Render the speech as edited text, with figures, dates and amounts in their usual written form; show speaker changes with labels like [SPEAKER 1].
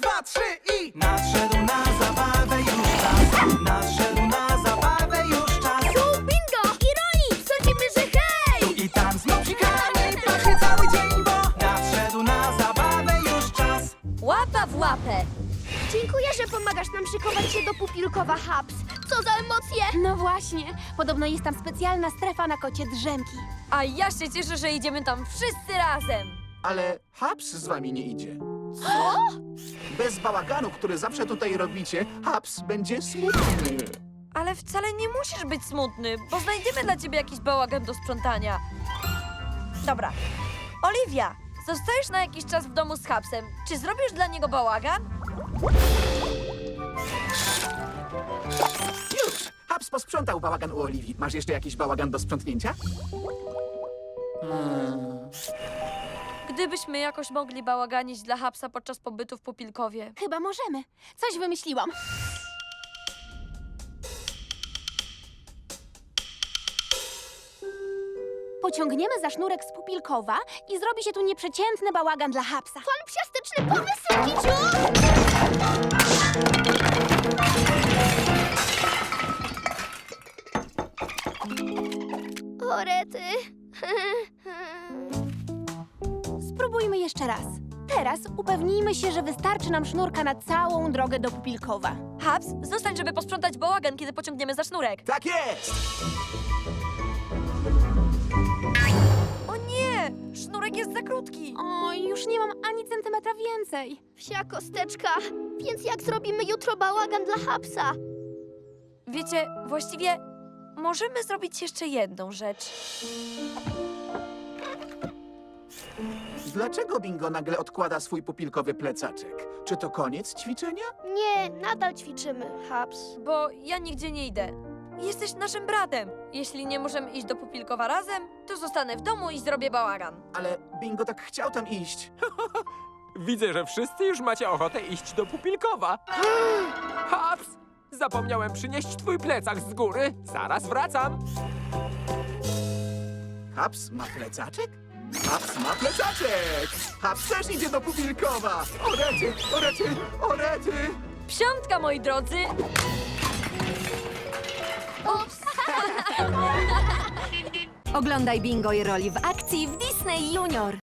[SPEAKER 1] dwa, trzy i... Nadszedł na zabawę już czas. Nadszedł na zabawę już czas.
[SPEAKER 2] Tu bingo i Roli! Sądzimy, że hej!
[SPEAKER 1] Tu i tam z mopsikami pachnie cały dzień, bo nadszedł na zabawę już czas.
[SPEAKER 3] Łapa w łapę.
[SPEAKER 2] Dziękuję, że pomagasz nam szykować się do Pupilkowa Hubs. Co za emocje!
[SPEAKER 4] No właśnie, podobno jest tam specjalna strefa na kocie drzemki.
[SPEAKER 3] A ja się cieszę, że idziemy tam wszyscy razem.
[SPEAKER 5] Ale Haps z wami nie idzie. Co? Bez bałaganu, który zawsze tutaj robicie, Haps będzie smutny.
[SPEAKER 3] Ale wcale nie musisz być smutny, bo znajdziemy dla ciebie jakiś bałagan do sprzątania. Dobra. Oliwia, zostajesz na jakiś czas w domu z Hapsem. Czy zrobisz dla niego bałagan?
[SPEAKER 5] Już! Haps posprzątał bałagan u Oliwii. Masz jeszcze jakiś bałagan do sprzątnięcia?
[SPEAKER 3] Gdybyśmy jakoś mogli bałaganić dla Hapsa podczas pobytu w Pupilkowie.
[SPEAKER 4] Chyba możemy. Coś wymyśliłam. Pociągniemy za sznurek z Pupilkowa i zrobi się tu nieprzeciętny bałagan dla Hapsa.
[SPEAKER 2] Fanpsiastyczny pomysł, Kiciu! O, rety.
[SPEAKER 4] Spróbujmy jeszcze raz. Teraz upewnijmy się, że wystarczy nam sznurka na całą drogę do Pupilkowa.
[SPEAKER 3] Haps, zostań, żeby posprzątać bałagan, kiedy pociągniemy za sznurek.
[SPEAKER 5] Tak jest!
[SPEAKER 3] O nie! Sznurek jest za krótki.
[SPEAKER 4] Oj, już nie mam ani centymetra więcej.
[SPEAKER 2] Wsia kosteczka. Więc jak zrobimy jutro bałagan dla Hubsa?
[SPEAKER 3] Wiecie, właściwie możemy zrobić jeszcze jedną rzecz.
[SPEAKER 5] Dlaczego Bingo nagle odkłada swój pupilkowy plecaczek? Czy to koniec ćwiczenia?
[SPEAKER 2] Nie, nadal ćwiczymy, Hubs.
[SPEAKER 3] Bo ja nigdzie nie idę. Jesteś naszym bratem. Jeśli nie możemy iść do Pupilkowa razem, to zostanę w domu i zrobię bałagan.
[SPEAKER 5] Ale Bingo tak chciał tam iść.
[SPEAKER 6] Widzę, że wszyscy już macie ochotę iść do Pupilkowa. Haps! Zapomniałem przynieść twój plecak z góry. Zaraz wracam.
[SPEAKER 5] Haps ma plecaczek? Haps ma plecaczek! Haps też idzie do Pupilkowa! O rety, o rety, o rety!
[SPEAKER 3] Psiątka, moi drodzy!
[SPEAKER 7] Oglądaj Bingo i Roli w akcji w Disney Junior.